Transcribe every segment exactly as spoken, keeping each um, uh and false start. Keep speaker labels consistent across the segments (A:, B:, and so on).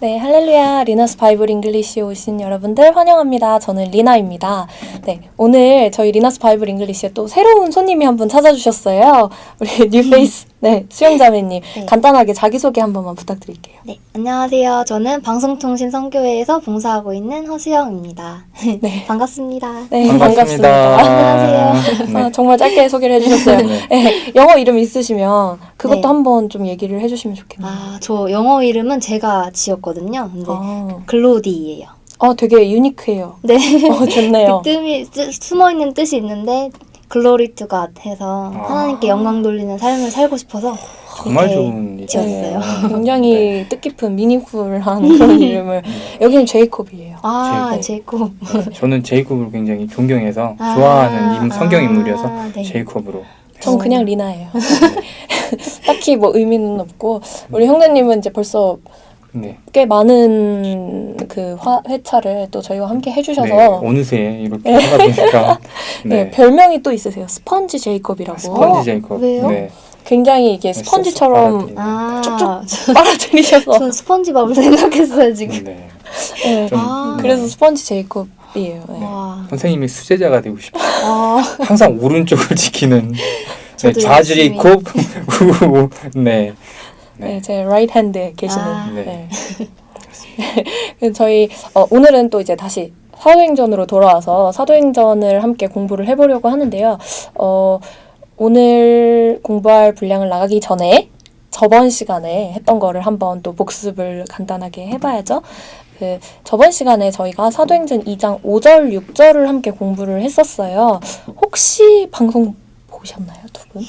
A: 네, 할렐루야. 리나스 바이블 잉글리시에 오신 여러분들 환영합니다. 저는 리나입니다. 네, 오늘 저희 리나스 바이블 잉글리시에 또 새로운 손님이 한 분 찾아주셨어요. 우리 뉴페이스 네, 수영자매님. 네. 간단하게 자기소개 한 번만 부탁드릴게요.
B: 네, 안녕하세요. 저는 방송통신 선교회에서 봉사하고 있는 허수영입니다.
A: 네.
B: 반갑습니다.
A: 네,
C: 반갑습니다.
A: 반갑습니다.
B: 안녕하세요.
A: 네. 아, 정말 짧게 소개를 해주셨어요.
C: 네.
A: 네, 영어 이름 있으시면 그것도
B: 네.
A: 한번 좀 얘기를 해주시면 좋겠네요.
B: 아, 저 영어 이름은 제가 지었거든요. 근데
A: 아,
B: 글로디예요.
A: 아 되게 유니크해요.
B: 네.
A: 어, 좋네요.
B: 그 뜸이 쓰- 숨어있는 뜻이 있는데 글로리 투 갓 해서
C: 아.
B: 하나님께 영광 돌리는 삶을 살고 싶어서
C: 정말
B: 이렇게
C: 좋은 이름.
B: 지었어요.
A: 네, 굉장히
C: 네.
A: 뜻깊은 미니풀한 그런 이름을. 여기는 제이콥이에요.
B: 아,
C: 제이콥.
B: 제이콥.
C: 저는 제이콥을 굉장히 존경해서
B: 아,
C: 좋아하는 인, 성경
B: 아,
C: 인물이어서
B: 네.
C: 제이콥으로.
A: 전
B: 어.
A: 그냥 리나예요. 딱히 뭐 의미는 없고 우리 형제님은 이제 벌써
C: 네.
A: 꽤 많은 그 화, 회차를 또 저희와 함께 해주셔서
C: 네. 어느새 이렇게 하다 보니까
A: 네,
C: 네.
A: 별명이 또 있으세요. 스펀지 제이콥이라고.
C: 아, 스펀지 제이콥.
B: 왜요?
C: 네.
A: 굉장히 이게 스펀지처럼
C: 네.
B: 아,
A: 쭉쭉 빨아들이셔서
B: 전 스펀지밥을 생각했어요, 지금.
C: 네.
A: 네,
C: 좀,
B: 아.
A: 그래서 스펀지 제이콥이에요. 네.
B: 와.
C: 선생님의 수제자가 되고 싶어요.
B: 아,
C: 항상 오른쪽을 지키는 네,
B: 저도
C: 좌
B: 열심히.
C: 제이콥. 우, 네.
A: 네, 제 라이트 핸드에 계시는.
B: 아.
C: 네.
A: 네. 그래서 저희 어, 오늘은 또 이제 다시 사도행전으로 돌아와서 사도행전을 함께 공부를 해보려고 하는데요. 어, 오늘 공부할 분량을 나가기 전에 저번 시간에 했던 거를 한번 또 복습을 간단하게 해봐야죠. 그 저번 시간에 저희가 사도행전 이 장 오 절, 육 절을 함께 공부를 했었어요. 혹시 방송 보셨나요, 두 분?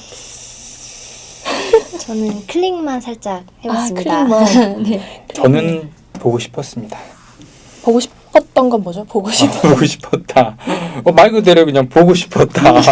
B: 저는 클릭만 살짝 해봤습니다.
A: 아, 클릭만.
B: 네.
C: 저는 보고 싶었습니다.
A: 보고 싶었던 건 뭐죠? 보고 싶.
C: 아, 보고 싶었다. 어, 말 그대로 그냥 보고 싶었다. 네.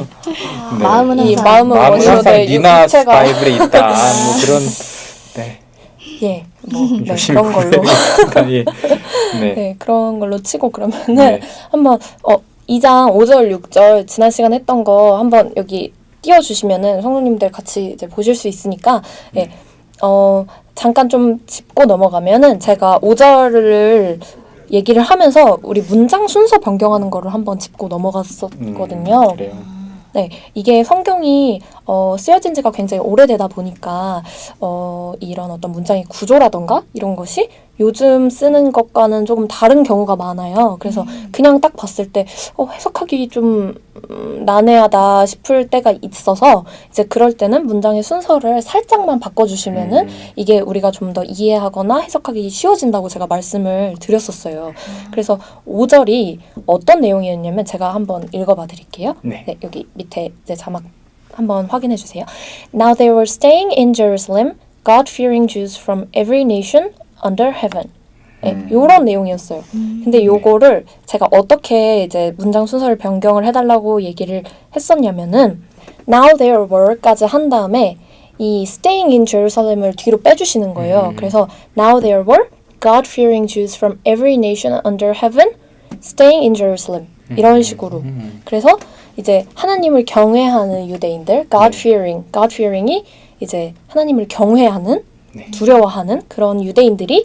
B: 마음은
A: 이
B: 항상
A: 마음은
C: 마음은
A: 원래로
C: 항상
A: 돼
C: 니나
A: 육체가-
C: 바이블에 있다. 뭐 그런 네.
A: 예, 뭐 네,
C: 열심히
A: 그런 걸로.
C: 공부해야겠다. 예. 네.
A: 네, 그런 걸로 치고 그러면은
C: 네.
A: 한번 어 이 장 오 절, 육 절 지난 시간 했던 거 한번 여기 띄워 주시면은 성도님들 같이 이제 보실 수 있으니까 예. 어 잠깐 좀 짚고 넘어가면은 제가 오 절을 얘기를 하면서 우리 문장 순서 변경하는 거를 한번 짚고 넘어갔었거든요.
C: 음, 그래요.
A: 네, 이게 성경이 어, 쓰여진 지가 굉장히 오래되다 보니까 어, 이런 어떤 문장의 구조라던가 이런 것이 요즘 쓰는 것과는 조금 다른 경우가 많아요. 그래서 그냥 딱 봤을 때 어, 해석하기 좀 음, 난해하다 싶을 때가 있어서 이제 그럴 때는 문장의 순서를 살짝만 바꿔주시면은
C: 음,
A: 이게 우리가 좀 더 이해하거나 해석하기 쉬워진다고 제가 말씀을 드렸었어요. 그래서 오 절이 어떤 내용이었냐면 제가 한번 읽어봐 드릴게요.
C: 네.
A: 네, 여기 밑에 이제 자막 한번 확인해 주세요. Now they were staying in Jerusalem, God-fearing Jews from every nation under heaven. 네,
C: 음.
A: 요런 내용이었어요. 근데 요거를 제가 어떻게 이제 문장 순서를 변경을 해달라고 얘기를 했었냐면은 Now there were까지 한 다음에 이 staying in Jerusalem을 뒤로 빼주시는 거예요.
C: 음.
A: 그래서 Now there were God-fearing Jews from every nation under heaven staying in Jerusalem. 이런 식으로.
C: 음,
A: 그래서 이제 하나님을 경외하는 유대인들, God-fearing, God-fearing이 이제 하나님을 경외하는,
C: 네.
A: 두려워하는 그런 유대인들이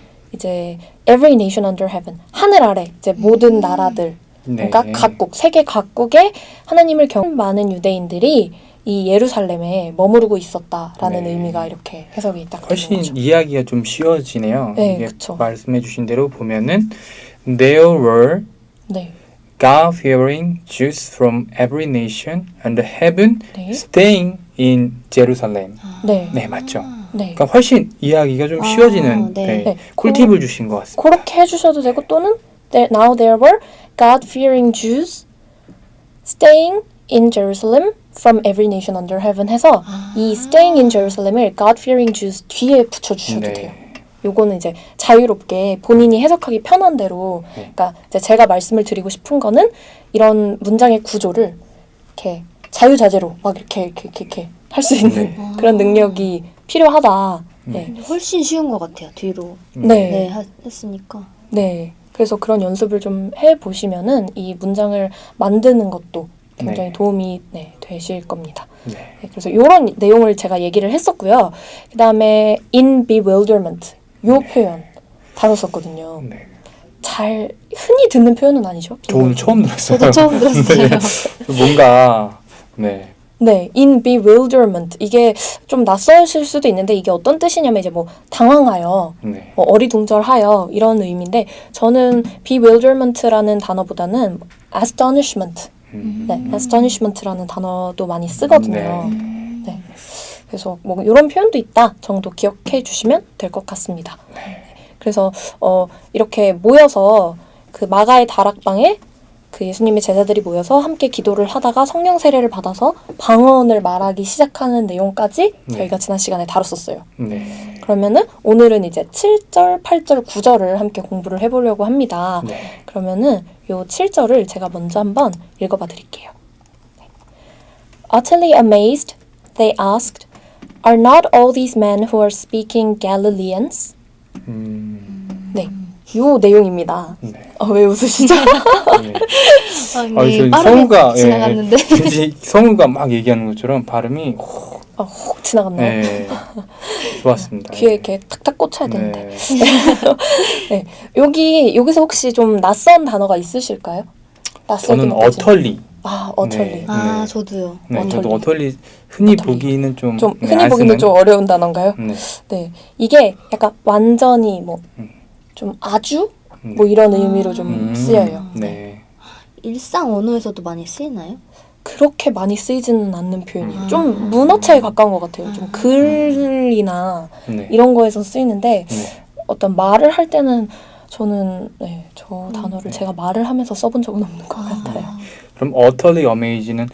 A: 이제 every nation under heaven, 하늘 아래 이제 모든 나라들,
C: 네.
A: 그러니까 각국, 세계 각국의 하나님을 경외하는 많은 유대인들이 이 예루살렘에 머무르고 있었다라는
C: 네.
A: 의미가 이렇게 해석이 딱 되는
C: 훨씬
A: 거죠.
C: 이야기가 좀 쉬워지네요.
A: 네,
C: 이게
A: 그쵸.
C: 말씀해주신 대로 보면은 There were
A: 네,
C: God-fearing Jews from every nation under heaven
A: 네,
C: staying in Jerusalem.
A: 네,
C: 네, 맞죠.
A: 네.
C: 그러니까 훨씬 이야기가 좀
B: 아,
C: 쉬워지는
B: 네.
C: 네,
A: 네.
C: 꿀팁을 주신 것 같습니다.
A: 그렇게 해주셔도 되고 또는 there, now there were God-fearing Jews staying in Jerusalem from every nation under heaven 해서
B: 아.
A: 이 staying in Jerusalem을 God-fearing Jews 뒤에 붙여주셔도 돼요.
C: 네.
A: 요거는 이제 자유롭게 본인이 해석하기 편한 대로
C: 네.
A: 그러니까 이제 제가 말씀을 드리고 싶은 거는 이런 문장의 구조를 이렇게 자유자재로 막 이렇게 이렇게 이렇게, 이렇게 할 수 있는
C: 네.
A: 그런 능력이 필요하다. 네.
B: 근데 훨씬 쉬운 것 같아요. 뒤로
A: 네.
B: 네, 하, 했으니까.
A: 네. 그래서 그런 연습을 좀 해보시면은 이 문장을 만드는 것도 굉장히
C: 네.
A: 도움이 네, 되실 겁니다.
C: 네.
A: 네, 그래서 이런 내용을 제가 얘기를 했었고요. 그 다음에 in bewilderment 요
C: 네.
A: 표현 다뤘었거든요.
C: 네.
A: 잘 흔히 듣는 표현은 아니죠.
C: 저 오늘 처음 들었어요.
B: 저도 처음 들었어요.
C: 네. 뭔가 네.
A: 네, in bewilderment 이게 좀 낯설실 수도 있는데 이게 어떤 뜻이냐면 이제 뭐 당황하여,
C: 네.
A: 뭐 어리둥절하여 이런 의미인데 저는 bewilderment라는 단어보다는 astonishment,
C: 음.
A: 네, astonishment라는 단어도 많이 쓰거든요.
B: 음.
A: 네, 그래서 뭐 이런 표현도 있다 정도 기억해 주시면 될 것 같습니다. 그래서 어, 이렇게 모여서 그 마가의 다락방에 그 예수님의 제자들이 모여서 함께 기도를 하다가 성령 세례를 받아서 방언을 말하기 시작하는 내용까지
C: 네.
A: 저희가 지난 시간에 다뤘었어요.
C: 네.
A: 그러면은 오늘은 이제 칠 절, 팔 절, 구 절을 함께 공부를 해보려고 합니다.
C: 네.
A: 그러면은 요 칠 절을 제가 먼저 한번 읽어봐 드릴게요. Utterly amazed, they asked, Are not all these men who are speaking Galileans?
C: 음.
A: 네, 요 내용입니다.
C: 네.
A: 어, 왜 웃으시죠?
C: 네.
B: 아니,
C: 아, 저희
B: 빠르게
C: 성우가
B: 지나갔는데.
C: 예, 왠지 성우가 막 얘기하는 것처럼 발음이
A: 아, 혹 지나갔나요?
C: 네. 좋았습니다.
A: 귀에 이렇게 탁탁 꽂혀야 되는데.
C: 네.
A: 네, 여기 여기서 혹시 좀 낯선 단어가 있으실까요? 낯설게
C: 저는
A: 느껴지는.
C: 어털리.
A: 아, 어털리.
C: 네.
B: 아,
C: 네.
B: 저도요.
C: 네, 저도
A: 어털리.
C: 어털리 흔히
A: 어털리.
C: 보기는 좀,
A: 좀
C: 네,
A: 흔히
C: 안
A: 보기는
C: 쓰는?
A: 좀 어려운 단어인가요?
C: 네.
A: 네, 이게 약간 완전히 뭐 좀
C: 음.
A: 아주
C: 네.
A: 뭐 이런 의미로 좀
C: 음,
A: 쓰여요.
C: 네.
B: 일상 언어에서도 많이 쓰이나요?
A: 그렇게 많이 쓰이지는 않는 표현이에요.
B: 음.
A: 좀 문어체에 가까운 것 같아요. 좀 글이나
C: 네.
A: 이런 거에서 쓰이는데
C: 네.
A: 어떤 말을 할 때는 저는 네, 저
B: 음.
A: 단어를
C: 네.
A: 제가 말을 하면서 써본 적은 없는 것 같아요.
C: 그럼 어털리 어메이지는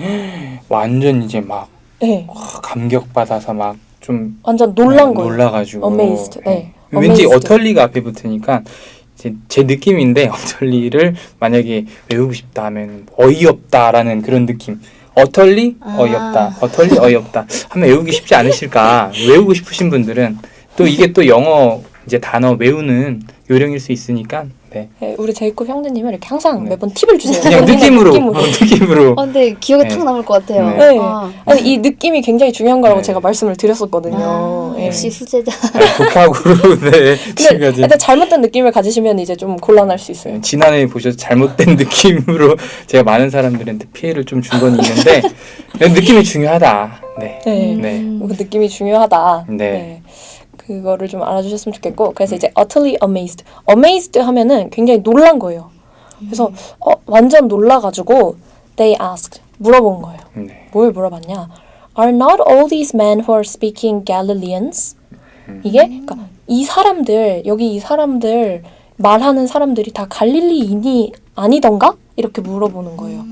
C: 완전 이제 막
A: 네,
C: 감격받아서 막 좀
A: 완전 놀란
C: 네,
A: 거예요.
C: 놀라가지고
A: amazed. 네.
C: 왠지
A: amazed.
C: 어털리가 앞에 붙으니까 제, 제 느낌인데 어털리를 만약에 외우고 싶다 하면 어이없다라는 그런 느낌. 어털리
B: 아.
C: 어이없다. 어털리 어이없다 하면 외우기 쉽지 않으실까. 외우고 싶으신 분들은 또 이게 또 영어 이제 단어 외우는 요령일 수 있으니까 네.
A: 네, 우리 제이콥 형제님은 이렇게 항상
C: 네.
A: 매번 팁을 주세요.
C: 그냥
A: 본인의
C: 느낌으로
A: 느낌으로.
C: 어, 느낌으로
B: 어, 근데 기억에
C: 네.
B: 탁 남을 것 같아요.
C: 네.
A: 네.
B: 아,
A: 아니, 이 느낌이 굉장히 중요한 거라고
C: 네.
A: 제가 말씀을 드렸었거든요.
B: 아,
A: 네.
B: 역시 수제자.
C: 독학으로 네.
A: 근데,
C: 지금까지
A: 근데 잘못된 느낌을 가지시면 이제 좀 곤란할 수 있어요.
C: 네, 지난해 보셔서 잘못된 느낌으로 제가 많은 사람들한테 피해를 좀 준 건 있는데 느낌이 중요하다. 네.
A: 네.
C: 네.
B: 음.
A: 그 느낌이 중요하다.
C: 네.
A: 그거를 좀 알아주셨으면 좋겠고, 그래서 이제 utterly amazed. amazed 하면은 굉장히 놀란 거예요. 그래서 어, 완전 놀라가지고 they asked 물어본 거예요.
C: 네.
A: 뭘 물어봤냐? Are not all these men who are speaking Galileans? 이게 그러니까 이 사람들 여기 이 사람들 말하는 사람들이 다 갈릴리인이 아니던가? 이렇게 물어보는 거예요.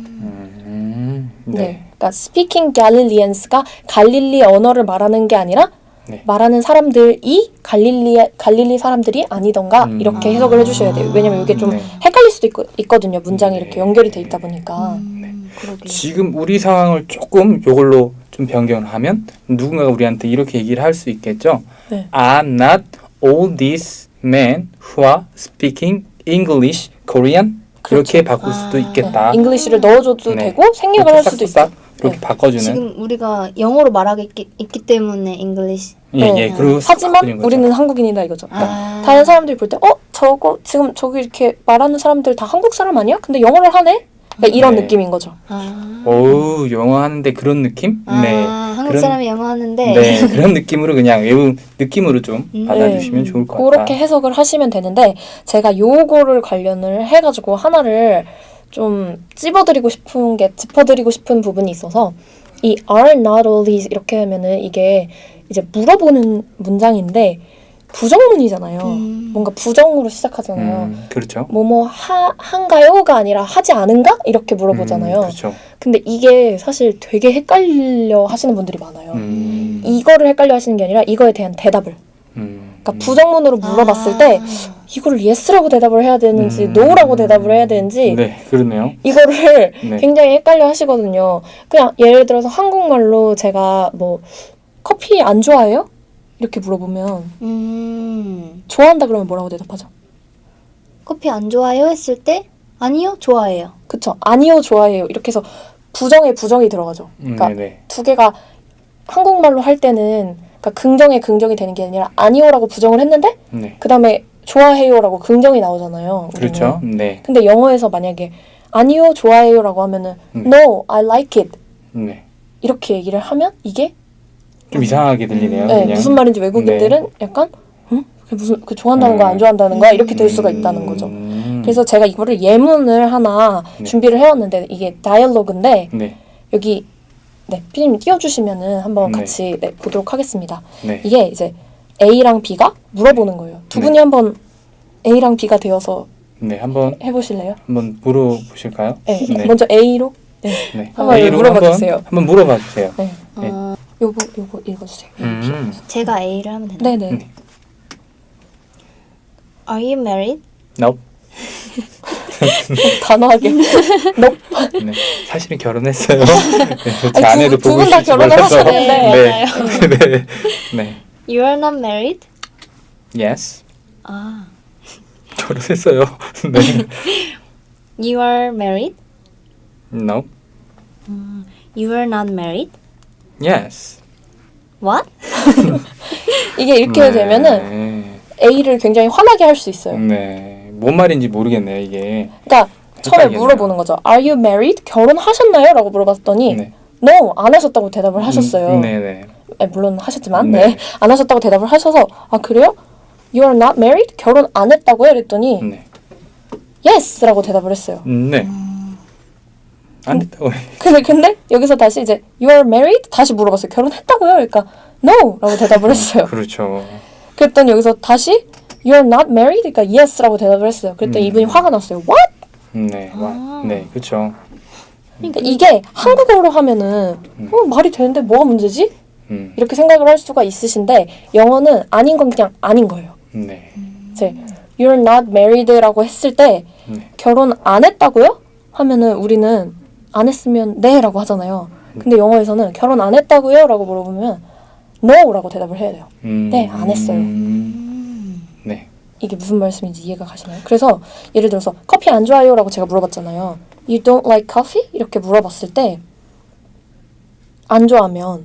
C: 음,
A: 네.
C: 네.
A: 그러니까 speaking Galileans가 갈릴리 언어를 말하는 게 아니라
C: 네.
A: 말하는 사람들이 갈릴리 갈릴리 사람들이 아니던가
C: 음.
A: 이렇게 해석을 해주셔야 돼요. 왜냐면 이게 좀
C: 네.
A: 헷갈릴 수도 있거, 있거든요. 문장이
C: 네.
A: 이렇게 연결이 돼 있다 보니까.
B: 음, 그러게요.
C: 지금 우리 상황을 조금 요걸로 좀 변경을 하면 누군가가 우리한테 이렇게 얘기를 할 수 있겠죠.
A: 네.
C: Are not all these men who are speaking English, Korean? 이렇게 바꿀 수도
B: 아,
C: 있겠다.
A: 잉글리시를 넣어줘도
C: 네.
A: 되고 생략을 할 수도 있어요.
C: 이렇게
A: 네.
C: 바꿔주는.
B: 지금 우리가 영어로 말하기 있기, 있기 때문에 잉글리시.
C: 예,
A: 네.
C: 예. 그리고
A: 하지만
C: 바꾸는 거죠.
A: 우리는 한국인이다 이거죠. 그러니까
B: 아.
A: 다른 사람들이 볼 때 어? 저거 지금 저기 이렇게 말하는 사람들 다 한국 사람 아니야? 근데 영어를 하네? 그러니까 이런
C: 네.
A: 느낌인 거죠.
B: 아.
C: 오, 영어 하는데 그런 느낌?
B: 아,
C: 네.
B: 한국
C: 그런-
B: 사람이 영어 하는데.
C: 네, 그런 느낌으로 그냥 외운 느낌으로 좀
B: 음.
C: 받아주시면
B: 네.
C: 좋을 것 같다.
A: 그렇게 해석을 하시면 되는데 제가 요거를 관련을 해가지고 하나를 좀 찝어드리고 싶은 게 짚어드리고 싶은 부분이 있어서 이 are not all these 이렇게 하면은 이게 이제 물어보는 문장인데 부정문이잖아요.
B: 음.
A: 뭔가 부정으로 시작하잖아요.
C: 음, 그렇죠.
A: 뭐뭐 하 한가요가 아니라 하지 않은가 이렇게 물어보잖아요.
C: 음, 그렇죠.
A: 근데 이게 사실 되게 헷갈려 하시는 분들이 많아요.
C: 음,
A: 이거를 헷갈려 하시는 게 아니라 이거에 대한 대답을.
C: 음,
A: 그러니까 부정문으로 물어봤을
B: 아.
A: 때 이거를 yes라고 대답을 해야 되는지
C: 음.
A: no라고 대답을 해야 되는지
C: 네, 그러네요.
A: 이거를
C: 네.
A: 굉장히 헷갈려 하시거든요. 그냥 예를 들어서 한국말로 제가 뭐 커피 안 좋아해요? 이렇게 물어보면
B: 음.
A: 좋아한다 그러면 뭐라고 대답하죠?
B: 커피 안 좋아해요? 했을 때 아니요, 좋아해요.
A: 그쵸? 아니요, 좋아해요. 이렇게 해서 부정에 부정이 들어가죠.
C: 음,
A: 그러니까
C: 네네.
A: 두 개가 한국말로 할 때는 그러니까 긍정에 긍정이 되는 게 아니라 아니요라고 부정을 했는데
C: 네.
A: 그 다음에 좋아해요라고 긍정이 나오잖아요. 우리는.
C: 그렇죠. 네.
A: 근데 영어에서 만약에 아니요, 좋아해요라고 하면은
C: 음.
A: No, I like it
C: 네.
A: 이렇게 얘기를 하면 이게
C: 좀 이상하게 들리네요.
A: 네,
C: 그냥.
A: 무슨 말인지 외국인들은 약간 응? 그게 무슨 그 좋아한다는 거야, 안
C: 음.
A: 좋아한다는 거야 이렇게 될 수가 있다는 거죠.
C: 음.
A: 그래서 제가 이거를 예문을 하나
C: 네.
A: 준비를 해왔는데 이게 다이얼로그인데
C: 네.
A: 여기 네, 피디님 띄워주시면은 한번
C: 네.
A: 같이 네, 보도록 하겠습니다.
C: 네.
A: 이게 이제 A랑 B가 물어보는 거예요. 두
C: 네.
A: 분이 한번 A랑 B가 되어서
C: 네. 한번
A: 해보실래요?
C: 한번 물어보실까요?
A: 네,
C: 네.
A: 먼저 A로 네,
C: 네.
A: 한번
C: A로
A: 물어봐
C: 한번,
A: 주세요.
C: 한번 물어봐 주세요.
A: 네,
C: 네.
B: 어,
A: 요거 요거 읽어주세요.
C: 음.
B: 제가 A를 하면 되나요?
A: 네네.
C: 네.
B: Are you married?
C: Nope.
A: 단호하게. 너
C: 네. 사실은 결혼했어요. 네. 제
A: 아니,
C: 아내도
A: 두- 두
C: 보고
A: 분다
C: 있을지
A: 결혼을
C: 몰라서.
A: 하셨는데.
C: 네.
B: 맞아요.
C: 네. 네.
B: You are not married?
C: Yes.
B: 아,
C: 결혼했어요. 네.
B: You are married?
C: No.
B: You are not married?
C: Yes.
B: What?
A: 이게 이렇게
C: 네.
A: 되면은 A를 굉장히 화나게 할 수 있어요.
C: 네. 뭔 말인지 모르겠네요, 이게.
A: 그러니까 처음에
C: 헷갈리겠네요.
A: 물어보는 거죠. Are you married? 결혼하셨나요? 라고 물어봤더니
C: 네.
A: No, 안 하셨다고 대답을 하셨어요.
C: 음, 네, 네.
A: 네, 물론 하셨지만
C: 네.
A: 네. 안 하셨다고 대답을 하셔서 아 그래요? You are not married? 결혼 안 했다고요? 이랬더니
C: 네.
A: Yes! 라고 대답을 했어요.
C: 음, 네. 안 됐다고.
A: 근데 근데 여기서 다시 이제 You are married? 다시 물어봤어요. 결혼했다고요? 그러니까 No! 라고 대답을 했어요.
C: 그렇죠.
A: 그랬더니 여기서 다시 You are not married? 그러니까 Yes! 라고 대답을 했어요. 그랬더니
C: 음.
A: 이분이 화가 났어요. What?
C: 네. 와. 네, 그렇죠.
A: 그러니까 이게 한국어로 하면은 어, 말이 되는데 뭐가 문제지?
C: 음.
A: 이렇게 생각을 할 수가 있으신데 영어는 아닌 건 그냥 아닌 거예요.
C: 네.
A: 이제 You're not married라고 했을 때
C: 네.
A: 결혼 안 했다고요? 하면은 우리는 안 했으면 네라고 하잖아요. 근데 영어에서는 결혼 안 했다고요? 라고 물어보면 no라고 대답을 해야 돼요.
C: 음.
A: 네, 안 했어요.
C: 음. 네.
A: 이게 무슨 말씀인지 이해가 가시나요? 그래서 예를 들어서 커피 안 좋아요? 라고 제가 물어봤잖아요. You don't like coffee? 이렇게 물어봤을 때 안 좋아하면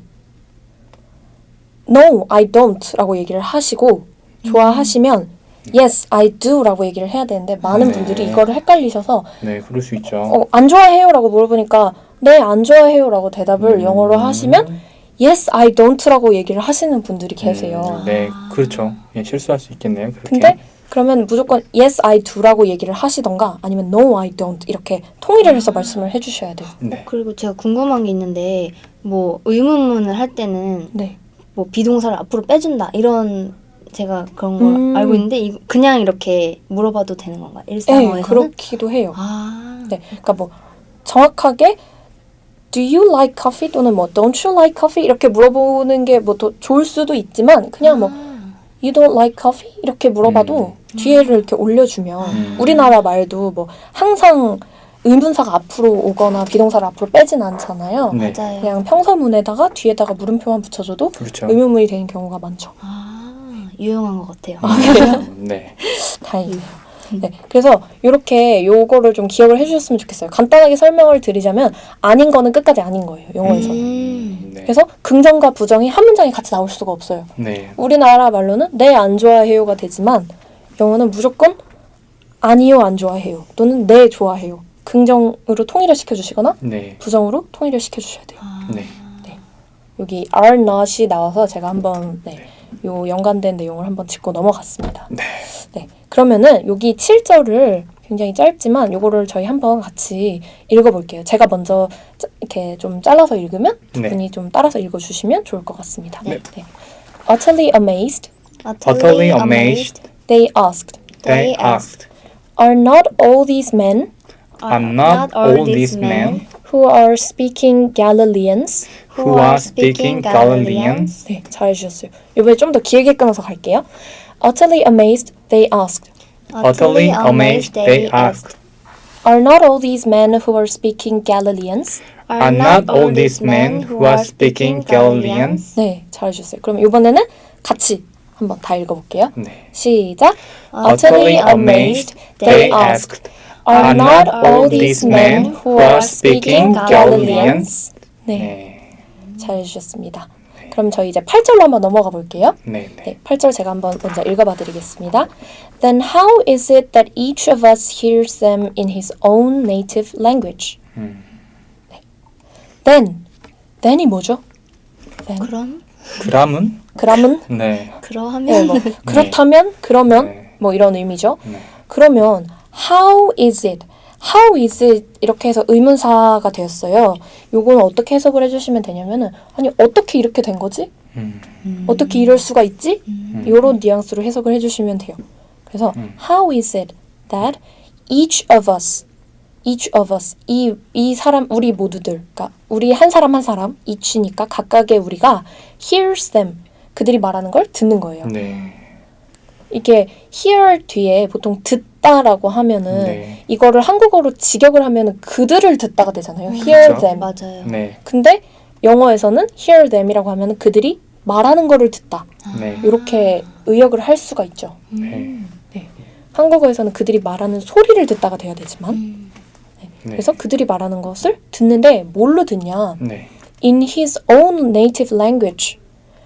A: No, I don't 라고 얘기를 하시고 좋아하시면 Yes, I do 라고 얘기를 해야 되는데 많은
C: 네.
A: 분들이 이거를 헷갈리셔서
C: 네, 그럴 수 있죠.
A: 어, 안 좋아해요? 라고 물어보니까 네, 안 좋아해요 라고 대답을
C: 음.
A: 영어로 하시면 Yes, I don't 라고 얘기를 하시는 분들이 계세요.
C: 음, 네, 그렇죠. 예, 실수할 수 있겠네요. 그렇게.
A: 근데 그러면 무조건 Yes, I do라고 얘기를 하시던가 아니면 No, I don't 이렇게 통일을 해서 말씀을 해주셔야 돼요.
C: 네.
B: 그리고 제가 궁금한 게 있는데 뭐 의문문을 할 때는
A: 네.
B: 뭐 비동사를 앞으로 빼준다 이런 제가 그런 걸
A: 음.
B: 알고 있는데 이 그냥 이렇게 물어봐도 되는 건가요?
A: 네,
B: 일상어에서는?
A: 그렇기도 해요.
B: 아,
A: 네, 그러니까 뭐 정확하게 Do you like coffee 또는 뭐 Don't you like coffee 이렇게 물어보는 게 뭐 더 좋을 수도 있지만 그냥 뭐 You don't like coffee 이렇게 물어봐도
C: 음.
A: 뒤에를 이렇게 올려주면
C: 음.
A: 우리나라 말도 뭐 항상 의문사가 앞으로 오거나 비동사를 앞으로 빼진 않잖아요.
C: 네.
B: 맞아요.
A: 그냥 평서문에다가 뒤에다가 물음표만 붙여줘도
C: 그렇죠.
A: 의문문이 되는 경우가 많죠.
B: 아, 유용한 것 같아요.
C: 음, 네.
A: 다행이에요. 네, 그래서 이렇게 요거를 좀 기억을 해주셨으면 좋겠어요. 간단하게 설명을 드리자면 아닌 거는 끝까지 아닌 거예요. 영어에서는.
B: 음.
C: 네.
A: 그래서 긍정과 부정이 한 문장에 같이 나올 수가 없어요.
C: 네.
A: 우리나라 말로는 네, 안 좋아해요가 되지만 영어는 무조건 아니요, 안 좋아해요 또는 네, 좋아해요. 긍정으로 통일을 시켜주시거나
C: 네.
A: 부정으로 통일을 시켜주셔야 돼요.
B: 아,
C: 네.
A: 여기 are not이 나와서 제가 한번 네, 요 연관된 내용을 한번 짚고 넘어갔습니다.
C: 네.
A: 네, 그러면은 여기 칠 절을 굉장히 짧지만 요거를 저희 한번 같이 읽어볼게요. 제가 먼저 짜, 이렇게 좀 잘라서 읽으면 두
C: 네.
A: 분이 좀 따라서 읽어주시면 좋을 것 같습니다.
C: 네.
A: 네. Utterly amazed,
C: Utterly amazed,
A: they asked,
C: they asked,
A: Are not all these men
C: Are not all these men
A: who are speaking Galileans?
C: who are speaking Galileans?
A: 네, 잘해주셨어요. 이번에 좀 더 길게 끊어서 갈게요. Utterly amazed, they asked,
C: Utterly amazed, they asked,
A: Are not all these men who are speaking Galileans?
C: Are not all these men who are speaking Galileans?
A: 네, 잘해주셨어요. 그럼 이번에는 같이 한번 다 읽어볼게요.
C: 네.
A: 시작.
C: Utterly amazed, they asked, Are not all these men who are speaking Galileans?
A: 네,
C: 네.
A: 잘해주셨습니다. 그럼 저희 이제 팔 절로 한번 넘어가 볼게요.
C: 네, 네.
A: 네, 팔 절 제가 한번 먼저 읽어봐 드리겠습니다. Then how is it that each of us hears them in his own native language?
C: 음.
A: Then, then이 뭐죠? then.
B: 그럼
C: 그람은?
A: 그람은?
C: 네.
A: 네,
B: 그러하면
A: 뭐 그렇다면, 그러면
C: 네.
A: 뭐 이런 의미죠.
C: 네.
A: 그러면 how is it? How is it? 이렇게 해서 의문사가 되었어요. 요거는 어떻게 해석을 해주시면 되냐면은 아니 어떻게 이렇게 된 거지?
C: 음.
B: 음.
A: 어떻게 이럴 수가 있지?
B: 음.
A: 요런 뉘앙스로 해석을 해주시면 돼요. 그래서
C: 음.
A: how is it that each of us, each of us 이, 이 사람 우리 모두들, 그러니까 우리 한 사람 한 사람 each니까 각각의 우리가 hears them 그들이 말하는 걸 듣는 거예요.
C: 네.
A: 이게 hear 뒤에 보통 듣다라고 하면은
C: 네.
A: 이거를 한국어로 직역을 하면은 그들을 듣다가 되잖아요.
B: 음.
A: hear
C: 그쵸.
A: them.
B: 맞아요.
C: 네.
A: 근데 영어에서는 hear them이라고 하면은 그들이 말하는 거를 듣다.
C: 네.
A: 이렇게 의역을 할 수가 있죠.
B: 음.
A: 한국어에서는 그들이 말하는 소리를 듣다가 돼야 되지만
B: 음.
C: 네.
A: 그래서 그들이 말하는 것을 듣는데 뭘로 듣냐?
C: 네.
A: In his own native language.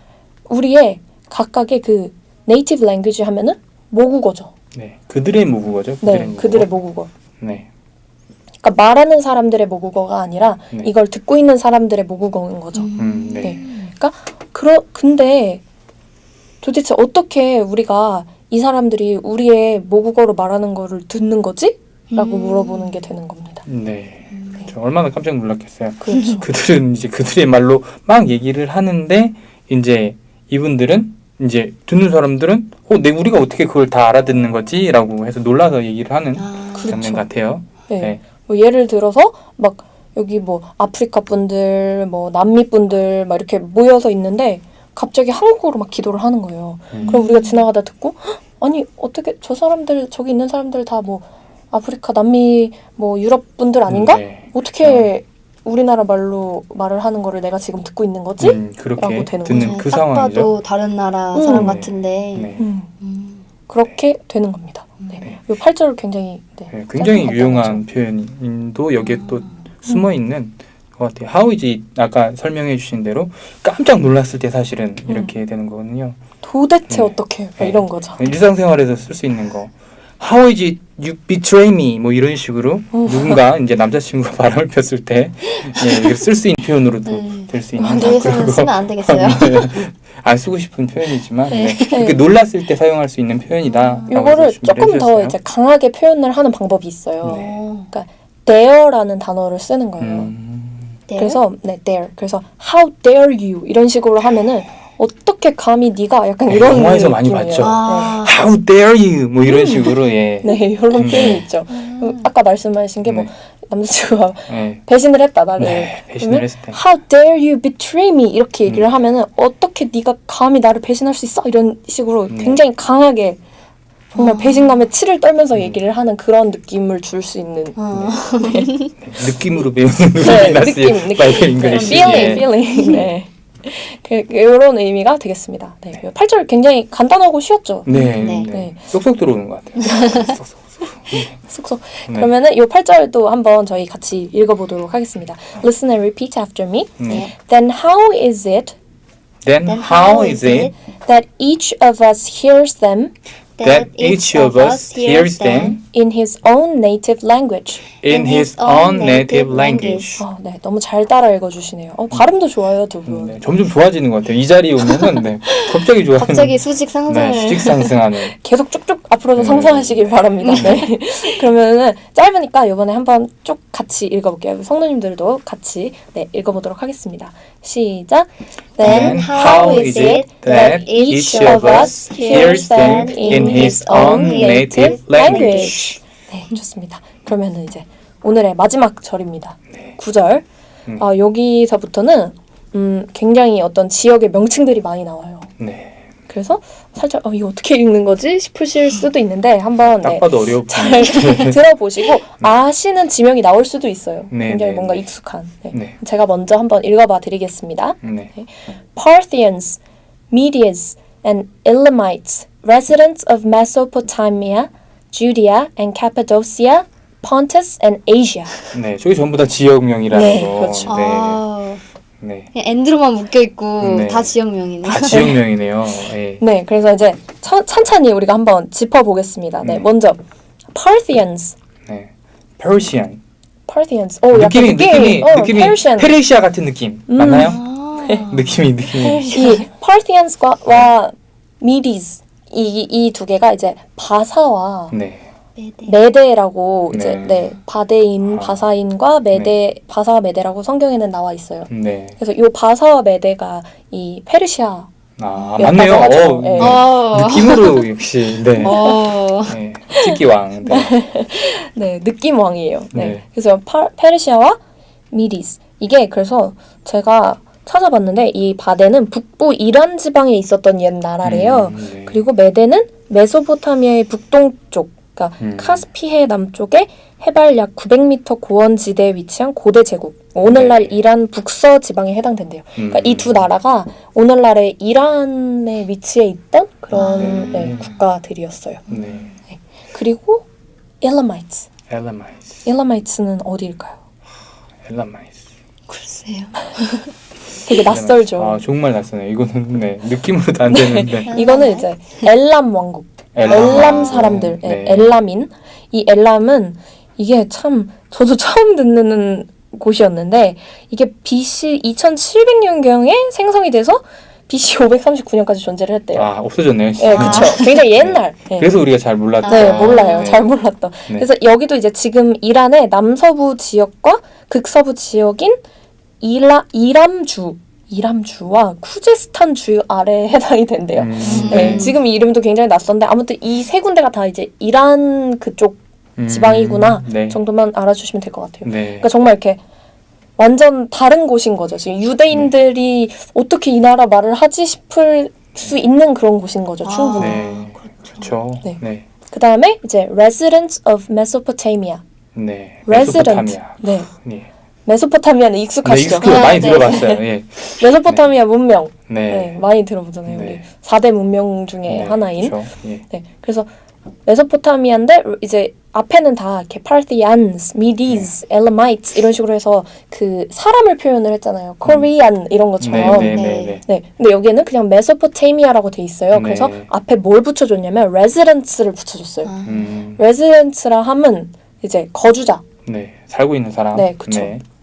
A: 우리의 각각의 그 native language 하면은 모국어죠.
C: 네. 그들의 모국어죠.
A: 네,
C: 그들의 모국어.
A: 그들의 모국어.
C: 네.
A: 그러니까 말하는 사람들의 모국어가 아니라
C: 네.
A: 이걸 듣고 있는 사람들의 모국어인 거죠.
C: 음, 네.
A: 네. 그러니까 그러 근데 도대체 어떻게 우리가 이 사람들이 우리의 모국어로 말하는 거를 듣는 거지? 라고
B: 음.
A: 물어보는 게 되는 겁니다.
C: 네. 그렇죠. 얼마나 깜짝 놀랐겠어요.
A: 그렇죠.
C: 그들은 이제 그들의 말로 막 얘기를 하는데 이제 이분들은 이제 듣는 사람들은 어, 내 우리가 어떻게 그걸 다 알아듣는 거지라고 해서 놀라서 얘기를 하는
B: 아.
C: 장면
A: 그렇죠.
C: 같아요.
A: 네.
C: 네.
A: 뭐 예를 들어서 막 여기 뭐 아프리카 분들, 뭐 남미 분들 막 이렇게 모여서 있는데 갑자기 한국어로 막 기도를 하는 거예요.
C: 음.
A: 그럼 우리가 지나가다 듣고 "헉, 아니 어떻게 저 사람들 저기 있는 사람들 다 뭐 아프리카, 남미, 뭐 유럽 분들 아닌가?
C: 네.
A: 어떻게 우리나라 말로 말을 하는 거를 내가 지금 듣고 있는 거지?
C: 음, 그렇게
A: 라고 되는
C: 듣는
B: 네,
C: 그
B: 딱
C: 상황이죠.
B: 봐도 다른 나라
A: 음.
B: 사람
C: 네.
B: 같은데.
C: 네.
A: 음,
B: 음.
A: 그렇게 되는 겁니다. 네.
C: 네.
A: 이 팔 절 굉장히 네,
C: 네, 굉장히
A: 짧은
C: 유용한
A: 간단하죠.
C: 표현도 여기에 또 숨어 있는 것 같아요. How is it? 아까 설명해 주신 대로 깜짝 놀랐을 때 사실은 이렇게 되는 거거든요.
A: 도대체
C: 네.
A: 어떻게 막
C: 네.
A: 이런 거죠.
C: 일상생활에서 쓸 수 있는 거. How is it you betray me? 뭐 이런 식으로
A: 어.
C: 누군가 이제 남자친구가 바람을 폈을 때 예, 쓸 수 있는 표현으로도
B: 네.
C: 될 수 있는
B: 여기서는
C: 그리고-
B: 쓰면 안 되겠어요.
C: 네. 안 쓰고 싶은 표현이지만
B: 네.
C: 네. 이렇게 놀랐을 때 사용할 수 있는 표현이다.
A: 요거를 조금 더 이제 강하게 표현을 하는 방법이 있어요.
C: 네.
B: 어.
A: dare라는 단어를 쓰는 거예요.
C: 음,
B: 네.
A: 그래서 네, dare. 그래서 how dare you 이런 식으로 하면은 어떻게 감히 네가 약간
C: 네,
A: 이런
C: 영화에서 많이
A: 느낌이에요.
C: 봤죠.
B: 아.
C: How dare you? 뭐 이런 식으로 예.
A: 네, 네 이런
C: 음.
A: 표현이 있죠. 음, 아까 말씀하신 게 뭐
C: 네.
A: 남자친구가
C: 네.
A: 배신을 했다 나를.
C: 네, 배신을
A: 그러면
C: 했을 때.
A: How dare you betray me 이렇게 얘기를
C: 음.
A: 하면은 어떻게 네가 감히 나를 배신할 수 있어 이런 식으로
C: 네.
A: 굉장히 강하게 정말
B: 아.
A: 배신감에 치를 떨면서
C: 음.
A: 얘기를 하는 그런 느낌을 줄 수 있는
B: 어.
C: 네, 느낌으로 배우는
A: 네,
C: 루비나스
A: 느낌, 느낌.
C: 바이블
A: 네,
C: 잉글리시.
A: feeling,
C: 예.
A: feeling. 네. 그, 이런 의미가 되겠습니다. 네. 팔 절 굉장히 간단하고 쉬웠죠.
C: 네,
B: 네.
C: 네.
A: 네.
C: 쏙쏙 들어오는 것 같아요. 쏙쏙.
A: 쏙쏙.
C: 네.
A: 그러면은 이 팔 절도 한번 저희 같이 읽어보도록 하겠습니다. Listen and repeat after me.
C: 네.
A: Then how is it
C: Then
B: Then
C: how is it
A: that each of us hears them
C: that each of us hears them
A: in his own native language?
C: in his own native language?
A: 어, 네, 너무 잘 따라 읽어주시네요. 어, 발음도 좋아요, 두 분.
C: 네, 점점 좋아지는 것 같아요. 이 자리에 오면은 네, 갑자기 좋아하는.
B: 갑자기 수직 상승을.
C: 네, 수직 상승하는.
A: 계속 쭉쭉 앞으로도
C: 네.
A: 상승하시길 바랍니다. 네. 그러면은 짧으니까 이번에 한번 쭉 같이 읽어볼게요. 성도님들도 같이 네, 읽어보도록 하겠습니다. 시작.
B: Then how is it that each of us hears them in his own native language?
A: 네, 좋습니다. 그러면은 이제 오늘의 마지막 절입니다. 구 절.
C: 음.
A: 아, 여기서부터는 음, 굉장히 어떤 지역의 명칭들이 많이 나와요.
C: 네.
A: 그래서 살짝 어, 이거 어떻게 읽는 거지 싶으실 수도 있는데 한번
C: 딱
A: 네,
C: 봐도 어려워.
A: 잘 들어보시고 아시는 지명이 나올 수도 있어요.
C: 네,
A: 굉장히
C: 네,
A: 뭔가
C: 네.
A: 익숙한. 네.
C: 네.
A: 제가 먼저 한번 읽어봐 드리겠습니다.
C: 네.
A: Parthians, Medes, and Elamites, residents of Mesopotamia, Judea and Cappadocia, Pontus and Asia.
C: 네, 저게 전부 다 지역명이라는
A: 네,
C: 거.
A: 그렇죠.
B: 아,
C: 네.
D: 그냥 앤드로만 묶여 있고
C: 네.
D: 다 지역명이네요.
C: 다 지역명이네요. 예.
A: 네, 그래서 이제 천, 찬찬히 우리가 한번 짚어보겠습니다. 네,
C: 네.
A: 먼저 Parthians.
C: 네. Persian.
A: Parthians. 오, 약간
C: 느낌이 느낌이
A: 어,
C: 느낌이
A: Persian.
C: 페르시아 같은 느낌
A: 음.
C: 맞나요?
D: 아,
C: 느낌이 느낌이.
A: 이 Parthians과 Medes 이 이 두 개가 이제 바사와
C: 네.
D: 메데.
A: 메데라고
C: 네.
A: 이제 네 바데인
C: 아.
A: 바사인과 메데 바사와 메데라고 성경에는 나와 있어요.
C: 네.
A: 그래서 이 바사와 메데가 이 페르시아
C: 아
A: 였다고
C: 맞네요.
A: 하죠.
C: 어,
A: 네.
C: 네.
D: 어.
C: 느낌으로 역시 네.
D: 어.
C: 네. 치기왕. 네.
A: 네 느낌 왕이에요. 네,
C: 네.
A: 그래서 파, 페르시아와 미디스 이게 그래서 제가 찾아봤는데 이 바데는 북부 이란 지방에 있었던 옛 나라래요.
C: 음, 네.
A: 그리고 메데는 메소포타미아의 북동쪽, 그러니까
C: 음.
A: 카스피해 남쪽에 해발 약 구백 미터 고원지대에 위치한 고대 제국. 오늘날
C: 네.
A: 이란 북서 지방에 해당된대요. 그러니까
C: 음.
A: 이 두 나라가 오늘날의 이란에 위치해 있던 그런
C: 아.
A: 네, 국가들이었어요.
C: 네.
A: 그리고 엘라마이츠.
C: 엘라마이스.
A: 엘라마이츠는 어디일까요?
C: 엘라마이스.
D: 글쎄요.
A: 되게 낯설죠.
C: 아 정말 낯서네요. 이거는 네 느낌으로도 안 되는데.
A: 이거는 이제 엘람 왕국,
C: 엘람.
A: 엘람 사람들, 예,
C: 네.
A: 엘람인. 이 엘람은 이게 참 저도 처음 듣는 곳이었는데 이게 비씨 이천칠백 년경에 생성이 돼서 비씨 오백삼십구 년까지 존재를 했대요.
C: 아 없어졌네요.
A: 예,
D: 아.
A: 그쵸. 굉장히 옛날. 예.
C: 그래서 우리가 잘 몰랐다.
A: 네,
D: 아.
A: 몰라요.
C: 네.
A: 잘 몰랐던.
C: 네.
A: 그래서 여기도 이제 지금 이란의 남서부 지역과 극서부 지역인 이라, 이람주, 이람주와 쿠제스탄 주 아래에 해당이 된대요.
C: 음,
A: 네,
D: 음.
A: 지금 이 이름도 굉장히 낯선데 아무튼 이 세 군데가 다 이제 이란 그쪽
C: 음,
A: 지방이구나
C: 네.
A: 정도만 알아주시면 될 것 같아요.
C: 네.
A: 그러니까 정말 이렇게 완전 다른 곳인 거죠. 지금 유대인들이 어떻게 이 나라 말을 하지 싶을 수 있는 그런 곳인 거죠.
D: 아.
A: 충분히.
C: 네. 그렇죠.
A: 네.
C: 네.
A: 그 다음에 이제 residents of Mesopotamia.
C: 네.
A: resident.
C: 메소포타미아.
A: 네.
C: 네.
A: 메소포타미아는
C: 네,
A: 익숙하시죠?
C: 익숙해요.
D: 아,
C: 많이
D: 네.
C: 들어봤어요. 예.
A: 메소포타미아 문명. 네.
C: 네.
A: 많이 들어보잖아요.
C: 네.
A: 우리 사 대 문명 중에
C: 네,
A: 하나인.
C: 그렇죠. 예.
A: 네. 그래서 메소포타미아인데 이제 앞에는 다 이렇게 Parthians, Medes, Elamites 이런 식으로 해서 그 사람을 표현을 했잖아요. Korean 이런 것처럼.
C: 네, 네,
D: 네.
C: 네, 네.
A: 네. 근데 여기에는 그냥 메소포타미아라고 돼 있어요.
C: 네.
A: 그래서 앞에 뭘 붙여줬냐면 residence를 붙여줬어요.
D: 아.
C: 음.
A: residence라 함은 이제 거주자.
C: 네. 살고 있는 사람.
A: 네, 그쵸.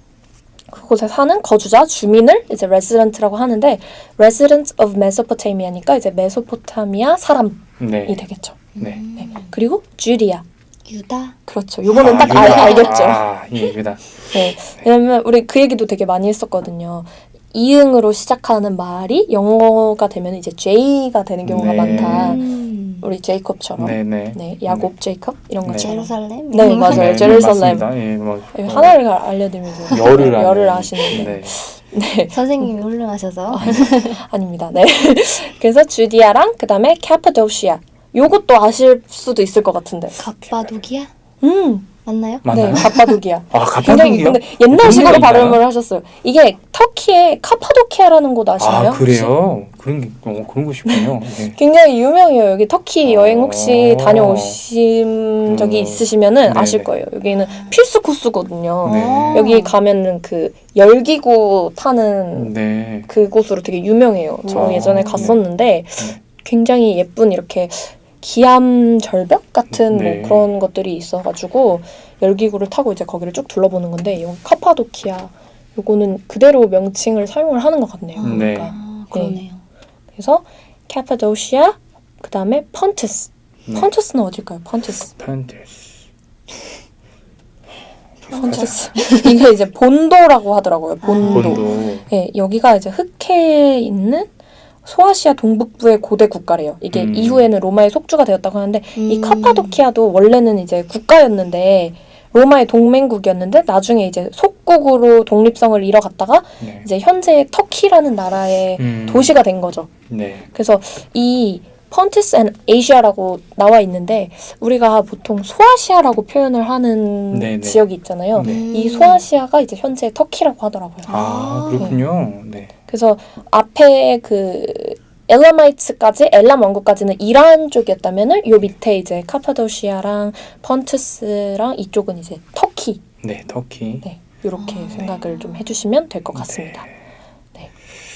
A: 그곳에 사는 거주자, 주민을 이제 resident라고 하는데 resident of Mesopotamia니까 이제 메소포타미아 사람이
C: 네.
A: 되겠죠.
C: 네.
A: 네. 그리고 주디아.
D: 유다.
A: 그렇죠. 요거는
C: 아,
A: 딱 알,
C: 유다.
A: 알겠죠.
C: 아, 예, 유다.
A: 네. 왜냐면 우리 그 얘기도 되게 많이 했었거든요. 이응으로 시작하는 말이 영어가 되면 이제 J가 되는 경우가
C: 네.
A: 많다.
D: 음.
A: 우리 제이콥처럼. 네.
C: 네, 네.
A: 야곱 제이콥 이런
C: 네.
A: 것처럼.
D: 제루살렘.
A: 네, 맞아요.
C: 네,
A: 제루살렘.
C: 맞습니다. 예, 뭐
A: 하나를 알려드리면서
C: 열을
A: 열을
C: 아는.
A: 아시는데.
C: 네.
A: 네.
D: 선생님이 훌륭하셔서.
A: 아닙니다. 네. 그래서 주디아랑 그다음에 카파도시아. 요것도 아실 수도 있을 것 같은데.
D: 갑바도기야?
A: 음.
D: 맞나요?
C: 맞나요?
A: 네, 카파도키아.
C: 아,
A: 굉장히
C: 카파도키아?
A: 근데 옛날식으로
C: 그런 거 있나요?
A: 발음을 하셨어요. 이게 터키의 카파도키아라는 곳 아시나요?
C: 아, 그래요? 그런 게 어, 그런 곳이군요. 네.
A: 굉장히 유명해요. 여기 터키 여행 혹시
C: 어.
A: 다녀오신 적이
C: 음.
A: 있으시면은
C: 네네.
A: 아실 거예요. 여기는 필수 코스거든요.
C: 네.
A: 여기 가면은 그 열기구 타는
C: 네.
A: 그곳으로 되게 유명해요. 저
C: 아,
A: 예전에
C: 네.
A: 갔었는데
C: 네.
A: 굉장히 예쁜 이렇게 기암 절벽 같은
C: 네.
A: 뭐 그런 것들이 있어가지고 열기구를 타고 이제 거기를 쭉 둘러보는 건데 여기 카파도키아 요거는 그대로 명칭을 사용을 하는 것 같네요.
C: 네.
A: 그러니까.
D: 아, 그러네요.
A: 그래서 카파도시아 그 다음에 펀투스.
C: 네.
A: 펀투스는 어딜까요? 펀투스.
C: 펀투스.
A: 펀투스. 이게 이제 본도라고 하더라고요. 본도.
C: 본도.
A: 네, 여기가 이제 흑해에 있는 소아시아 동북부의 고대 국가래요. 이게
C: 음.
A: 이후에는 로마의 속주가 되었다고 하는데 이
D: 음.
A: 카파도키아도 원래는 이제 국가였는데 로마의 동맹국이었는데 나중에 이제 속국으로 독립성을 잃어갔다가
C: 네.
A: 이제 현재 터키라는 나라의
C: 음.
A: 도시가 된 거죠.
C: 네.
A: 그래서 이 펀투스 앤 아시아라고 나와 있는데 우리가 보통 소아시아라고 표현을 하는
C: 네네.
A: 지역이 있잖아요.
C: 네.
A: 이 소아시아가 이제 현재 터키라고 하더라고요.
C: 아, 그렇군요. 네.
A: 그래서 앞에 그 엘라마이츠까지 엘람 왕국까지는 이란 쪽이었다면은 요 밑에 이제 카파도시아랑 펀투스랑 이쪽은 이제 터키.
C: 네, 터키.
A: 네, 이렇게
D: 아,
A: 생각을 좀 해주시면 될 것 같습니다.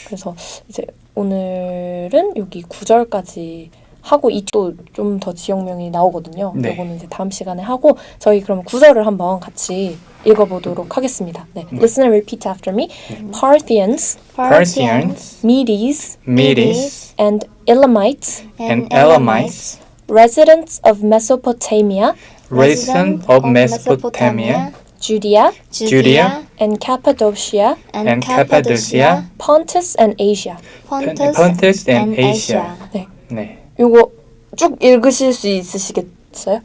A: 그래서 이제 오늘은 여기 구 절까지 하고 이또 좀 더 지역명이 나오거든요.
C: 네.
A: 요거는 이제 다음 시간에 하고 저희 그럼 구 절을 한번 같이 읽어보도록 하겠습니다. 네. Listen and repeat after me. Parthians,
C: Persians,
A: Medes,
C: Medes,
A: and Elamites,
C: and Elamites,
A: residents of Mesopotamia,
C: residents of Mesopotamia,
A: Judea,
C: Judea,
A: and Cappadocia,
C: and Cappadocia,
A: Pontus and Asia.
D: Pontus,
C: Pontus and Asia.
A: 네.
C: 네.
A: 요거 쭉 읽으실 수 있으시겠어요?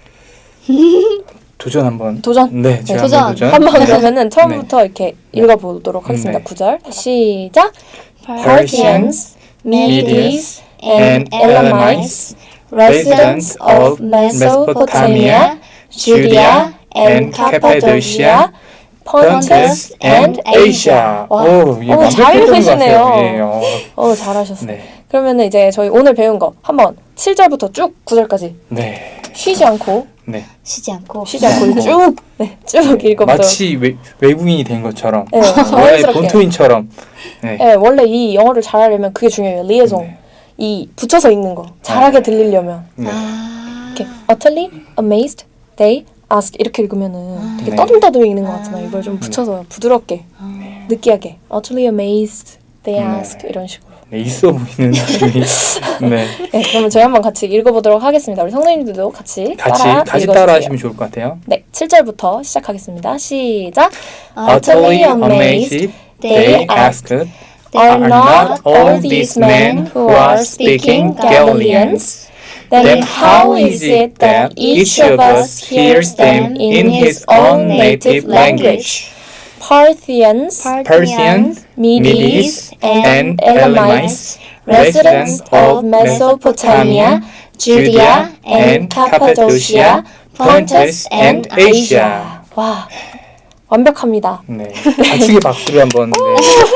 C: 도전 한번.
A: 도전?
C: 네, 제가
D: 도전.
C: 한번 도전.
A: 한번 그러면은 처음부터 이렇게 읽어보도록 하겠습니다.
C: 네.
A: 구 절 시작.
C: Parthians,
A: Medes,
C: and Elamites,
A: residents of Mesopotamia, Judea, and Cappadocia, Pontus and Asia. 와,
C: 오, 이게
A: 어, 잘
C: 완벽했던 것
A: 읽으시네요.
C: 같아요. 예, 어.
A: 어, 잘하셨어요.
C: 네.
A: 그러면은 이제 저희 오늘 배운 거 한번 칠 절부터 쭉 구 절까지
C: 네.
A: 쉬지 않고
C: 네.
D: 쉬지 않고
A: 쉬지 않고 쭉, 네, 쭉 읽어보도록.
C: 마치 외, 외국인이 된 것처럼.
A: 네,
C: 원래
A: 자연스럽게.
C: 본토인처럼. 네.
A: 네, 원래 이 영어를 잘하려면 그게 중요해요. 리에송.
C: 네.
A: 이 붙여서 읽는 거. 잘하게 들리려면.
C: 네.
D: 아,
A: 이렇게 utterly, amazed, they, asked 이렇게 읽으면은 되게
C: 네.
A: 떠듬떠듬 읽는 것 같잖아요. 이걸 좀 붙여서 부드럽게, 느끼하게. utterly amazed, they
C: 네.
A: asked 이런 식으로.
C: 네, 있어 보이는 느낌이. 네.
A: 네, 그러면 저희 한번 같이 읽어보도록 하겠습니다. 우리 성도님들도 같이
C: 같이
A: 따라
C: 같이
A: 읽어주세요.
C: 따라 하시면 좋을 것 같아요.
A: 네, 칠 절부터 시작하겠습니다. 시작.
C: Utterly amazed, they asked,
A: Are not all these men who are speaking Galileans? Then how is it that each of us hears them in his own native language? Parthians,
C: Persians,
A: Medes, and
C: and
A: Elamites, residents of Mesopotamia, Judea, and Cappadocia, Pontus and Asia. 와, 완벽합니다.
C: 네. 좌측에 박수를 한번. 네.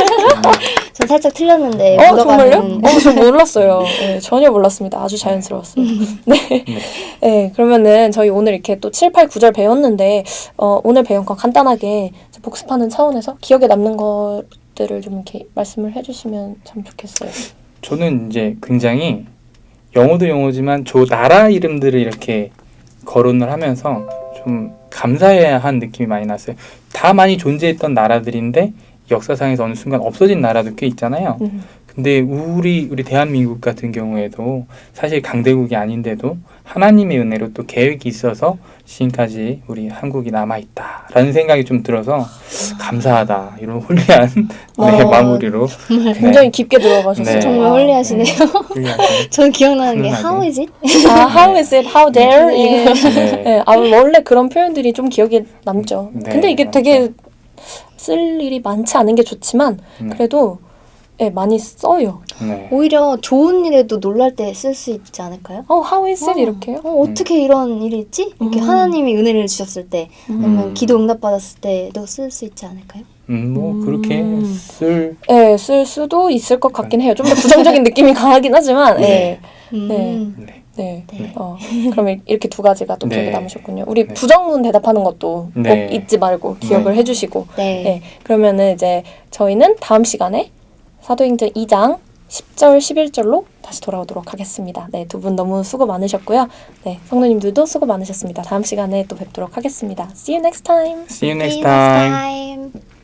D: 전 살짝 틀렸는데
A: 어,
D: 묻어가는
A: 정말요? 어, 저 몰랐어요. 네, 전혀 몰랐습니다. 아주 자연스러웠어요. 네. 네, 그러면은 저희 오늘 이렇게 또 칠, 팔, 구 절 배웠는데, 어, 오늘 배운 거 간단하게 복습하는 차원에서 기억에 남는 것들을 좀 이렇게 말씀을 해주시면 참 좋겠어요.
C: 저는 이제 굉장히 영어도 영어지만 저 나라 이름들을 이렇게 거론을 하면서 좀 감사해야 한 느낌이 많이 났어요. 다 많이 존재했던 나라들인데 역사상에서 어느 순간 없어진 나라도 꽤 있잖아요.
A: 음.
C: 근데 우리 우리 대한민국 같은 경우에도 사실 강대국이 아닌데도 하나님의 은혜로 또 계획이 있어서 지금까지 우리 한국이 남아있다라는 생각이 좀 들어서 감사하다 이런 홀리한 네,
A: 어,
C: 마무리로
A: 굉장히 깊게 들어가셨어요.
C: 네.
D: 정말 홀리하시네요.
C: 홀리하게.
D: 저는 기억나는 게
C: 훈훈하게.
D: How is it?
A: 아, how is it? How dare?
D: 네.
A: 이거.
C: 네.
A: 네, 아, 원래 그런 표현들이 좀 기억에 남죠.
C: 네,
A: 근데 이게
C: 맞죠.
A: 되게 쓸 일이 많지 않은 게 좋지만
C: 네.
A: 그래도 네, 많이 써요.
C: 네.
D: 오히려 좋은 일에도 놀랄 때 쓸 수 있지 않을까요?
A: 어, how is it?
D: 어,
A: 이렇게요?
D: 어, 어떻게 이런 일이 있지? 이렇게
A: 음.
D: 하나님이 은혜를 주셨을 때 아니면
C: 음.
D: 기도 응답 받았을 때도 쓸 수 있지 않을까요?
C: 음, 뭐
A: 음.
C: 그렇게 쓸
A: 네, 쓸 수도 있을 것 같긴 해요. 좀 더 부정적인 느낌이 강하긴 하지만, 네.
D: 음.
C: 네.
A: 네.
D: 네.
A: 어, 그럼 이렇게 두 가지가 또 기억에
C: 네.
A: 남으셨군요. 우리
C: 네.
A: 부정문 대답하는 것도
C: 네.
A: 꼭 잊지 말고 기억을
C: 네.
A: 해주시고.
D: 네.
A: 네. 그러면은 이제 저희는 다음 시간에 사도행전 이 장 십 절, 십일 절로 다시 돌아오도록 하겠습니다. 네, 두 분 너무 수고 많으셨고요. 네, 성도님들도 수고 많으셨습니다. 다음 시간에 또 뵙도록 하겠습니다. See you next time.
C: See you next
D: See you
C: time.
D: next time.